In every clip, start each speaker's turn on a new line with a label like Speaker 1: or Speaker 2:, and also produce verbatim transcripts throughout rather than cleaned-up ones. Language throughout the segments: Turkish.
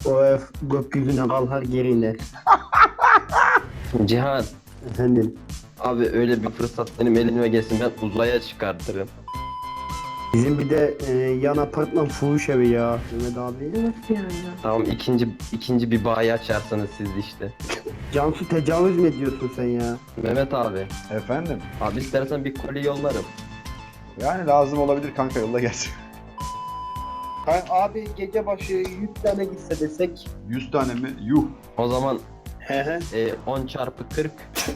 Speaker 1: O ev gökyüzüne kalkar geri iner.
Speaker 2: Cihan,
Speaker 1: Efendim.
Speaker 2: abi öyle bir fırsat benim elime gelsin, ben uzaya çıkartırım.
Speaker 1: Bizim bir de e, yan apartman fuhuş evi ya. Mehmet abi.
Speaker 3: Nasıl yani?
Speaker 2: Tamam, ikinci ikinci bir bayi açarsanız siz işte.
Speaker 1: Cansu tecavüz mü ediyorsun sen ya?
Speaker 2: Mehmet abi,
Speaker 4: Efendim?
Speaker 2: abi istersen bir koli yollarım.
Speaker 4: Yani lazım olabilir kanka, yolla gelsin.
Speaker 1: Abi gece başı yüz tane gitse desek.
Speaker 4: yüz tane mi? Yuh.
Speaker 2: O zaman
Speaker 1: He he.
Speaker 2: e, on çarpı kırk.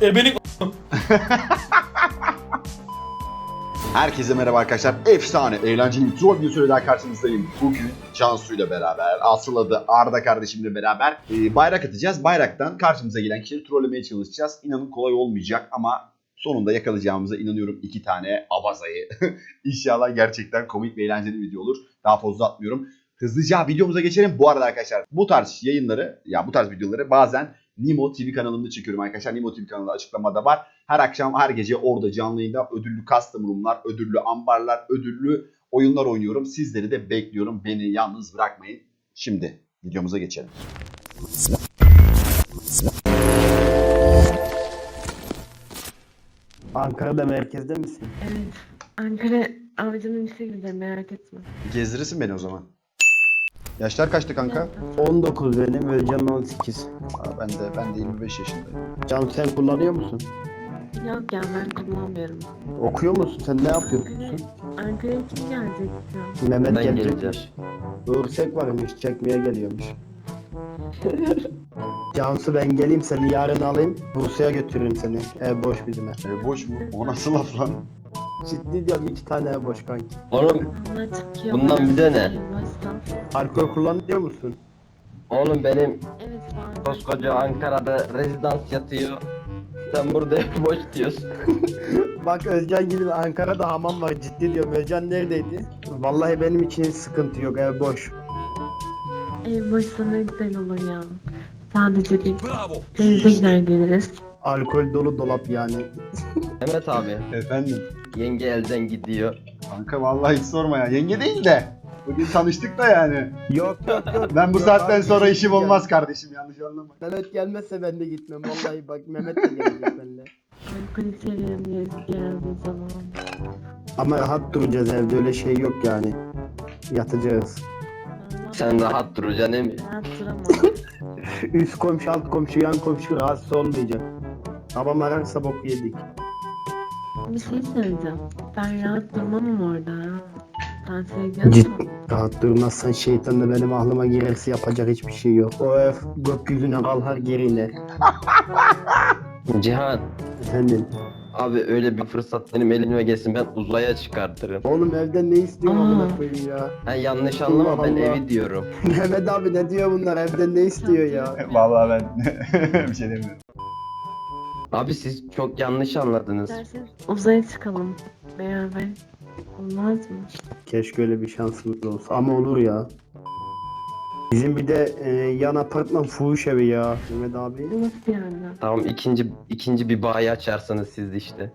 Speaker 4: Herkese merhaba arkadaşlar. Efsane, eğlenceli bir troll videosu daha karşınızdayım. Bugün Cansu'yla beraber, asıl adı Arda kardeşimle beraber e, bayrak atacağız. Bayraktan karşımıza gelen kişileri trollemeye çalışacağız. İnanın kolay olmayacak ama sonunda yakalayacağımıza inanıyorum, iki tane abazayı. İnşallah gerçekten komik ve eğlenceli bir video olur. Daha fazla atmıyorum. Hızlıca videomuza geçelim. Bu arada arkadaşlar, bu tarz yayınları, ya bu tarz videoları bazen Nimo T V kanalımda çekiyorum arkadaşlar. Nimo T V kanalında açıklamada var. Her akşam, her gece orada canlı yayında ödüllü custom room'lar, ödüllü ambarlar, ödüllü oyunlar oynuyorum. Sizleri de bekliyorum. Beni yalnız bırakmayın. Şimdi videomuza geçelim.
Speaker 1: Ankara'da merkezde misin?
Speaker 3: Evet. Ankara avcının işe gideceğim, merak etme.
Speaker 4: Gezdirirsin beni o zaman. Yaşlar kaçtı kanka?
Speaker 1: on dokuz benim, Özcan on sekiz.
Speaker 4: Aa, ben de ben de yirmi beş yaşındayım.
Speaker 1: Cansu sen kullanıyor musun?
Speaker 3: Yok ya, ben kullanmıyorum.
Speaker 1: Okuyor musun? Sen ne yapıyorsun?
Speaker 3: Ankara'ya kim gelecek ya?
Speaker 1: Mehmet
Speaker 2: Ben
Speaker 1: gelecek.
Speaker 2: geleceğim.
Speaker 1: Örsek varmış, çekmeye geliyormuş. Cansu ben geleyim seni yarın alayım, Bursa'ya götürürüm seni. Ev boş bizim ev.
Speaker 4: E, boş mu? O nasıl laf lan?
Speaker 1: Ciddi diyorum, iki tane ev boş kanki.
Speaker 2: Oğlum,
Speaker 3: Allah çıkıyor.
Speaker 2: Bundan bir de ne?
Speaker 1: Alkol kullanıyor musun?
Speaker 2: oğlum benim
Speaker 3: Evet var.
Speaker 2: koskoca Ankara'da rezidans yatıyor. Sen burada hep boş diyorsun.
Speaker 1: Bak Özcan gibi Ankara'da hamam var, ciddi diyorum. Özcan neredeydi? Vallahi benim için hiç sıkıntı yok, ev boş.
Speaker 3: Ev boşsa ne güzel olur ya. Sadece bir denize gider geliriz.
Speaker 1: Alkol dolu dolap yani.
Speaker 2: Mehmet abi,
Speaker 4: Efendim?
Speaker 2: yenge elden gidiyor.
Speaker 4: Kanka vallahi hiç sorma ya. Yenge değil de. Bugün tanıştık da yani.
Speaker 1: Yok yok yok.
Speaker 4: Ben bu
Speaker 1: Yok
Speaker 4: saatten
Speaker 1: abi,
Speaker 4: sonra
Speaker 1: bir
Speaker 4: işim
Speaker 1: şey
Speaker 4: olmaz kardeşim, yanlış anlama.
Speaker 1: Mehmet gelmezse ben de gitmem. Vallahi bak Mehmet de gelecek benimle.
Speaker 3: Alkolü severim diye geldiği zaman.
Speaker 1: Ama rahat duracağız evde, öyle şey yok yani. Yatacağız.
Speaker 2: Sen rahat duracaksın değil mi?
Speaker 3: Rahat duramam.
Speaker 1: Üst komşu, alt komşu, yan komşu rahatsız olmayacak. Babam ararsa boku yedik.
Speaker 3: Bir şey söyleyeceğim. Ben rahat durmam orada. Sen
Speaker 1: Cid
Speaker 3: seviyorsun.
Speaker 1: rahat durmazsan şeytan da benim aklıma girerse yapacak hiçbir şey yok. O ev gökyüzüne kalkar geri iner.
Speaker 2: Cihan,
Speaker 1: Efendim.
Speaker 2: abi öyle bir fırsat benim elime gelsin, ben uzaya çıkartırım.
Speaker 1: Oğlum evden ne istiyorsun
Speaker 3: Aa.
Speaker 1: amına koyayım ya?
Speaker 2: Ha, yanlış anlama, ben
Speaker 1: Allah.
Speaker 2: evi diyorum.
Speaker 1: Mehmet abi ne diyor bunlar, evden ne istiyor ya?
Speaker 4: Vallahi ben bir şey demiyorum.
Speaker 2: Abi siz çok yanlış anladınız.
Speaker 3: İsterseniz uzaya çıkalım beraber. Olmaz mı?
Speaker 1: Keşke öyle bir şansımız olsa ama olur ya. Bizim bir de e, yan apartman fuhuş evi ya Mehmet abi.
Speaker 3: Nasıl yani?
Speaker 2: Tamam, ikinci ikinci bir bayi açarsanız siz işte.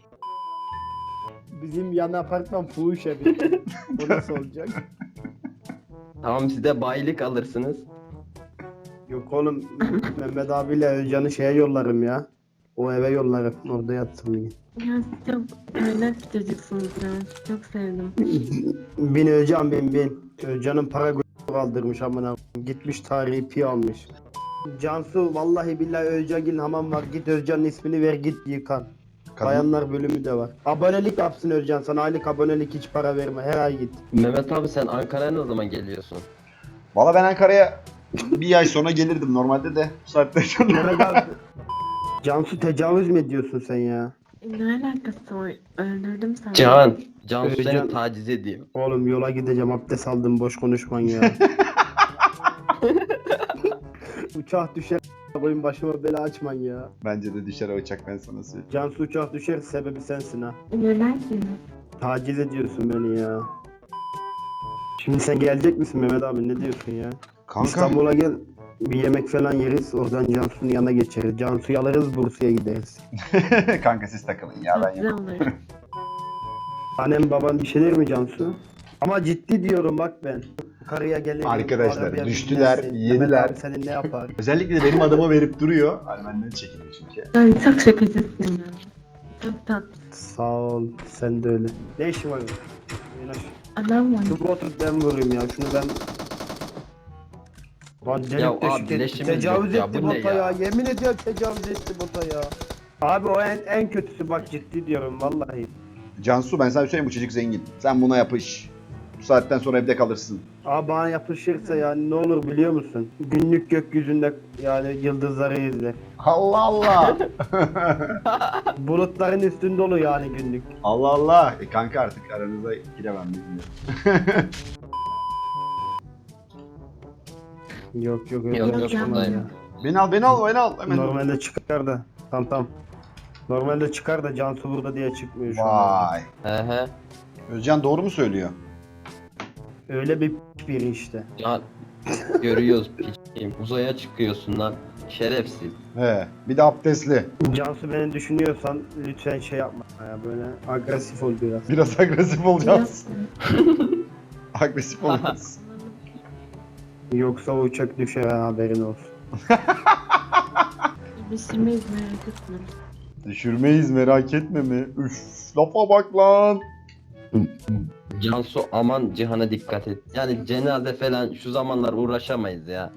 Speaker 1: Bizim yan apartman fuhuş evi. O nasıl olacak?
Speaker 2: Tamam, siz de bayilik alırsınız.
Speaker 1: Yok oğlum, Mehmet abiyle Özcan'ı şeye yollarım ya. O eve yollarım, orada yatsın diye.
Speaker 3: Ya siz çok kaynak bir çocuksunuz ya. Sizi çok sevdim.
Speaker 1: Bin Özcan bin bin. Özcan'ın para gö- kaldırmış amına koyayım. Gitmiş tarihi pi almış. Cansu vallahi billahi Özcan'ın hamam var. Git Özcan'ın ismini ver, git yıkan.
Speaker 4: Kadın-
Speaker 1: Bayanlar bölümü de var. Abonelik yapsın Özcan sana, aylık abonelik, hiç para verme, her ay git.
Speaker 2: Mehmet abi, sen Ankara'ya ne zaman geliyorsun?
Speaker 4: Valla ben Ankara'ya bir ay sonra gelirdim normalde de. Bu saatten sonra.
Speaker 1: Mehmet abi. Cansu tecavüz mü ediyorsun sen ya?
Speaker 3: E, ne alakası var? Öldürdüm seni.
Speaker 2: Cihan, Cansu
Speaker 1: Ee,
Speaker 2: seni
Speaker 1: Can-
Speaker 2: taciz ediyor.
Speaker 1: Oğlum yola gideceğim, abdest aldım, boş konuşman ya. Uçak düşer koyun başıma bela açman ya.
Speaker 4: Bence de düşer o uçak, ben sana söyleyeyim.
Speaker 1: Cansu uçak düşer, sebebi sensin ha.
Speaker 3: Neden ki?
Speaker 1: Taciz ediyorsun beni ya. Şimdi sen gelecek misin Mehmet abi, ne diyorsun ya?
Speaker 4: Kanka
Speaker 1: İstanbul'a gel, bir yemek falan yeriz, oradan Cansu'nun yanına geçeriz. Cansu'yu alırız, Bursa'ya gideriz.
Speaker 4: kanka siz takılın ya,
Speaker 3: Çok
Speaker 4: ben
Speaker 3: güzel
Speaker 4: yapayım.
Speaker 3: olur.
Speaker 1: Annem baban bir şey der mi Cansu? Ama ciddi diyorum bak ben. Karıya gelirim.
Speaker 4: Arkadaşlar,
Speaker 1: arabaya
Speaker 4: düştüler,
Speaker 1: binersin.
Speaker 4: yediler.
Speaker 1: Mehmet abi senin ne yapar?
Speaker 4: Özellikle de benim adama verip duruyor. Hani benden çekiniyor çünkü.
Speaker 3: Ay çok şakacısın ya. Çok tatlı.
Speaker 1: Sağ ol. Sen de öyle. Ne işin var? Yanaş.
Speaker 3: Adam var.
Speaker 1: Dur otur ben vurayım ya. Şunu ben... Lan delik
Speaker 2: Ya
Speaker 1: deşik
Speaker 2: abi,
Speaker 1: etti.
Speaker 2: leşimiz
Speaker 1: Tecavüz
Speaker 2: yok ya,
Speaker 1: etti
Speaker 2: bu ne
Speaker 1: bota ya.
Speaker 2: ya?
Speaker 1: Yemin ediyorum tecavüz etti bota ya. Abi o en, en kötüsü bak ciddi diyorum vallahi.
Speaker 4: Cansu ben sana söyleyeyim bu çocuk zengin. Sen buna yapış. Bu saatten sonra evde kalırsın.
Speaker 1: Abi bana yapışırsa yani ne olur biliyor musun? Günlük gökyüzünde yani yıldızları izler.
Speaker 4: Allah Allah.
Speaker 1: Bulutların üstünde olur yani günlük.
Speaker 4: Allah Allah. E kanka artık aranıza giremem bilmiyorum.
Speaker 1: Yok yok öyle
Speaker 2: Yok,
Speaker 3: yok,
Speaker 1: yapamam
Speaker 3: buradayım.
Speaker 1: ya.
Speaker 4: Beni al beni al beni al. Hemen.
Speaker 1: Normalde çıkar da. Tamam tamam. Normalde çıkar da Cansu burada diye çıkmıyor şu an.
Speaker 4: Vay.
Speaker 2: He he.
Speaker 4: Özcan doğru mu söylüyor?
Speaker 1: Öyle bir biri işte.
Speaker 2: Ya görüyoruz piçim. Uzaya çıkıyorsun lan. Şerefsiz.
Speaker 4: He. Bir de abdestli.
Speaker 1: Cansu beni düşünüyorsan lütfen şey yapma ya böyle agresif ol biraz.
Speaker 4: Biraz agresif olacağız.
Speaker 3: Biliyorsun.
Speaker 4: Agresif olacağız.
Speaker 1: Yoksa o uçak düşer ha, haberin olsun.
Speaker 3: Düşürmeyiz merak etme.
Speaker 4: Düşürmeyiz merak etme mi? Üf, lafa bak lan.
Speaker 2: Cansu aman Cihan'a dikkat et. Yani cenaze falan şu zamanlar uğraşamayız ya.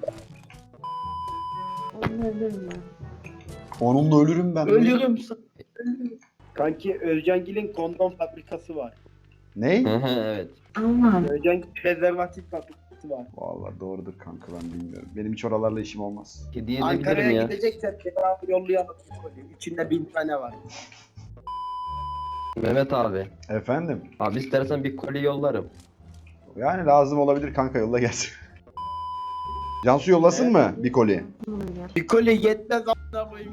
Speaker 3: Onu ölürüm ben.
Speaker 4: Onunla ölürüm ben.
Speaker 1: Ölüyorum. Kanki Özcangil'in kondom fabrikası var.
Speaker 4: Ne?
Speaker 2: Hı hı evet.
Speaker 3: Allah.
Speaker 1: Özcangil prezervatif fabrikası var.
Speaker 4: Vallahi doğrudur kanka ben bilmiyorum. Benim hiç oralarla işim olmaz.
Speaker 2: Hediye edebilirim
Speaker 1: Ankara'ya
Speaker 2: ya.
Speaker 1: gideceksen cevabı yollayalım. İçinde bin tane var.
Speaker 2: Mehmet abi.
Speaker 4: Efendim?
Speaker 2: Abi istersen bir koli yollarım.
Speaker 4: Yani lazım olabilir kanka yolla gelsin. Cansu yollasın mı bir koli?
Speaker 1: Bir koli yetmez a**ına koyayım.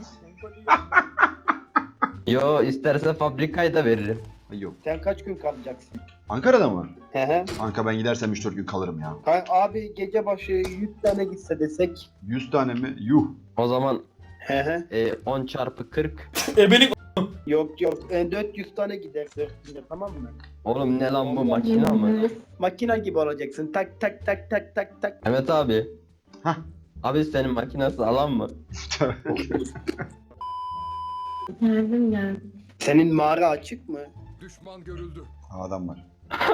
Speaker 2: Yo istersen fabrikayı da veririm.
Speaker 4: Ay yok.
Speaker 1: Sen kaç gün kalacaksın?
Speaker 4: Ankara'da mı?
Speaker 1: He he.
Speaker 4: Kanka ben gidersem üç dört gün kalırım ya.
Speaker 1: Kan- Abi gece başı yüz tane gitse desek.
Speaker 4: yüz tane mi? Yuh.
Speaker 2: O zaman
Speaker 1: He he.
Speaker 2: e, on çarpı kırk.
Speaker 1: Yok yok e, dört yüz tane gider dört yüze, tamam mı?
Speaker 2: Oğlum ne lan bu makine mı?
Speaker 1: Makina gibi olacaksın. Tak tak tak tak tak tak.
Speaker 2: Mehmet abi.
Speaker 4: Hah.
Speaker 2: Abi senin makinesi alan mı?
Speaker 3: Geldim geldim.
Speaker 1: Senin mağara açık mı?
Speaker 5: Düşman görüldü.
Speaker 4: Adam var.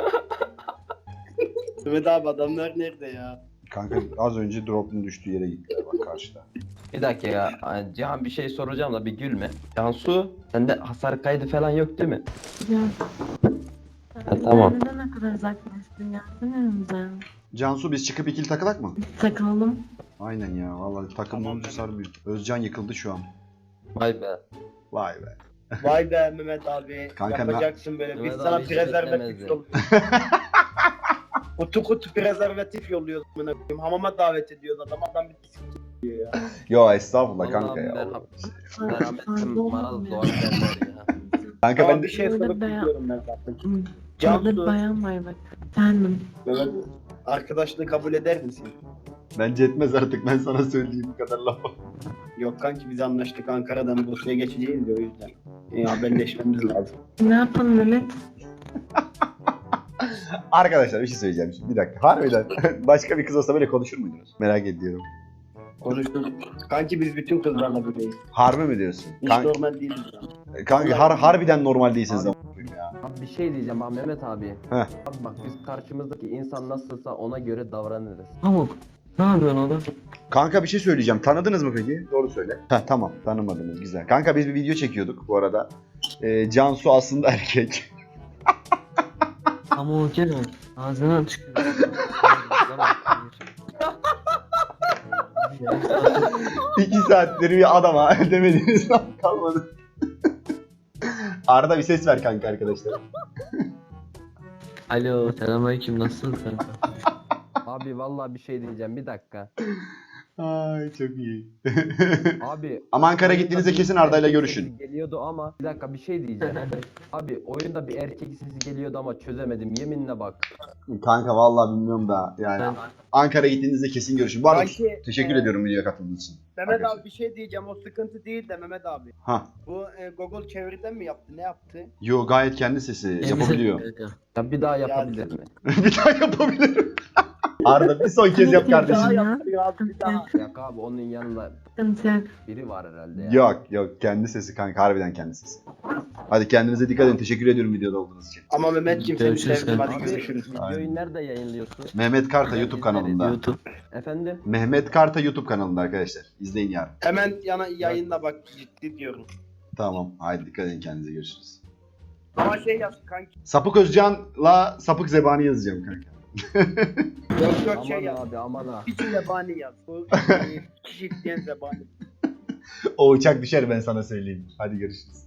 Speaker 1: Mehmet abi adamlar nerede ya?
Speaker 4: Kanka az önce drop'un düştüğü yere gittiler bak karşıda.
Speaker 2: Bir dakika ya. Ay, Cihan bir şey soracağım da bir gülme. Cansu sende hasar kaydı falan yok değil mi?
Speaker 3: Ya.
Speaker 2: Ha, tamam.
Speaker 3: Sen neden ne kadar uzaklaştın ya? Sen önümüze.
Speaker 4: Cansu biz çıkıp ikili takılak mı?
Speaker 3: Takalım.
Speaker 4: Aynen ya vallahi takım
Speaker 1: Tamam.
Speaker 4: olunca sarmıyor. Özcan yıkıldı şu an.
Speaker 2: Vay be.
Speaker 4: Vay be.
Speaker 1: Vay be Mehmet abi.
Speaker 4: Kanka na-
Speaker 1: yapacaksın böyle. Biz
Speaker 2: Mehmet
Speaker 1: sana
Speaker 2: abi hiç
Speaker 1: prezervatif
Speaker 2: beklemezdi.
Speaker 1: yolluyoruz. Kutu kutu prezervatif yolluyoruz. amına koyayım. Hamama davet ediyoruz adam. Adam bir s**k diyor ya.
Speaker 4: Yo estağfurullah
Speaker 2: Vallahi
Speaker 4: kanka ya.
Speaker 2: merhab- Merhametim maraz doğar derler ya.
Speaker 4: Kanka
Speaker 1: Ama
Speaker 4: ben
Speaker 1: bir
Speaker 4: de...
Speaker 1: şey
Speaker 3: Öyle
Speaker 1: sorup
Speaker 3: be ya.
Speaker 1: gidiyorum ben zaten.
Speaker 3: Canlı
Speaker 1: Cansu,
Speaker 3: bayan var bak. Efendim.
Speaker 1: Mehmet, arkadaşlığı kabul eder misin?
Speaker 4: Bence etmez artık ben sana söyleyeyim bu kadar lafı.
Speaker 1: Yok kanki biz anlaştık Ankara'dan Bursa'ya geçeceğiz de o yüzden. E, haberleşmemiz lazım.
Speaker 3: Ne yapalım Mehmet?
Speaker 4: Arkadaşlar bir şey söyleyeceğim şimdi bir dakika. Harbiden başka bir kız olsa böyle konuşur muydunuz? Merak ediyorum.
Speaker 1: Konuştuk. Kanki biz bütün kızlarla böyleyiz.
Speaker 4: Harbi mi diyorsun?
Speaker 1: Hiç
Speaker 4: Kan-
Speaker 1: normal değiliz ya.
Speaker 4: kanka har- harbiden normal değilsiniz
Speaker 2: Abi-
Speaker 4: ama ya.
Speaker 2: Abi bir şey diyeceğim abi Mehmet abi.
Speaker 4: Heh.
Speaker 2: Abi bak biz karşımızdaki insan nasılsa ona göre davranırız.
Speaker 6: Pamuk. Ne yapıyorsun oğlum?
Speaker 4: Kanka bir şey söyleyeceğim. Tanıdınız mı peki? Doğru söyle. Heh, tamam tanımadınız güzel. Kanka biz bir video çekiyorduk bu arada. Ee, Cansu aslında erkek.
Speaker 6: Pamuk gel lan. Ağzından çıkıyor.
Speaker 4: İki saattir bir adama demediğiniz laf kalmadı. Arada bir ses ver kanka arkadaşlar.
Speaker 6: Alo. Selamünaleyküm. Nasılsın kanka?
Speaker 2: Abi vallahi bir şey diyeceğim bir dakika.
Speaker 4: Ay çok iyi.
Speaker 2: Abi
Speaker 4: Ama Ankara
Speaker 2: oyunda
Speaker 4: gittiğinizde
Speaker 2: bir
Speaker 4: kesin Arda'yla
Speaker 2: erkek
Speaker 4: görüşün.
Speaker 2: sesi geliyordu ama bir dakika bir şey diyeceğim. Abi oyunda bir erkek sesi geliyordu ama çözemedim yeminle bak.
Speaker 4: Kanka vallahi bilmiyorum da yani
Speaker 6: Ben-
Speaker 4: Ankara gittiğinizde kesin görüşün. Bu arada
Speaker 5: Kanki,
Speaker 4: teşekkür
Speaker 5: e,
Speaker 4: ediyorum videoya katıldığınız için.
Speaker 5: Mehmet
Speaker 4: Arkadaşlar.
Speaker 5: abi bir şey diyeceğim. O sıkıntı değil de Mehmet abi.
Speaker 4: Ha.
Speaker 5: Bu e, Google çeviriden mi yaptı? Ne yaptı?
Speaker 4: Yo gayet kendi sesi yapabiliyor.
Speaker 2: Ya bir daha yapabilir mi?
Speaker 4: Bir daha yapabilirim. Arda bir son kez yap
Speaker 5: Bir daha
Speaker 4: kardeşim.
Speaker 3: Ya.
Speaker 5: yaptırıyor abi bir daha.
Speaker 2: Yok abi onun yanında
Speaker 3: Sıkıntı yok.
Speaker 2: biri var herhalde ya.
Speaker 4: Yok yok kendi sesi kanka harbiden kendi sesi. Hadi kendinize dikkat edin. Teşekkür ediyorum videoda olduğunuz için.
Speaker 5: Ama Mehmetciğim seni
Speaker 6: Görüşürüz
Speaker 5: sevdim. Hadi
Speaker 2: Abi
Speaker 5: görüşürüz.
Speaker 2: videoyu
Speaker 4: Aynen.
Speaker 2: nerede yayınlıyorsun?
Speaker 4: Mehmet Karta YouTube kanalında.
Speaker 6: YouTube.
Speaker 2: Efendim?
Speaker 4: Mehmet Karta YouTube kanalında arkadaşlar. İzleyin yarın.
Speaker 5: Hemen yana yayında bak ciddi diyorum.
Speaker 4: Tamam. Haydi dikkat edin kendinize görüşürüz.
Speaker 5: Ama şey yaz kanki.
Speaker 4: Sapık Özcan'la Sapık Zebani yazacağım kanka.
Speaker 5: Yok yok şey
Speaker 2: Aman
Speaker 5: yaz.
Speaker 2: abi aman ha.
Speaker 5: Hiç zebani yaz. Bu e, kişi diyen zebani.
Speaker 4: O uçak düşer ben sana söyleyeyim. Hadi görüşürüz.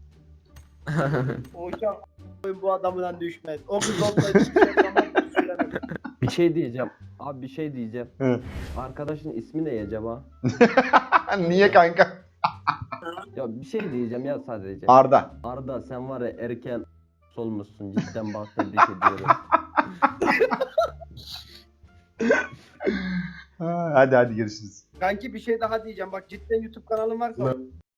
Speaker 5: O uçak bu adamdan düşmez. O kız olsaydı hiçbir zaman düşüremez.
Speaker 2: Bir şey diyeceğim. Abi bir şey diyeceğim.
Speaker 4: Hı.
Speaker 2: Arkadaşın ismi ne acaba?
Speaker 4: Niye kanka?
Speaker 2: Ya bir şey diyeceğim ya sadece.
Speaker 4: Arda.
Speaker 2: Arda sen var ya erken solmuşsun cidden bak tebrik ediyorum.
Speaker 4: Ha, hadi hadi görüşürüz.
Speaker 5: Kanki bir şey daha diyeceğim. Bak cidden YouTube kanalın varsa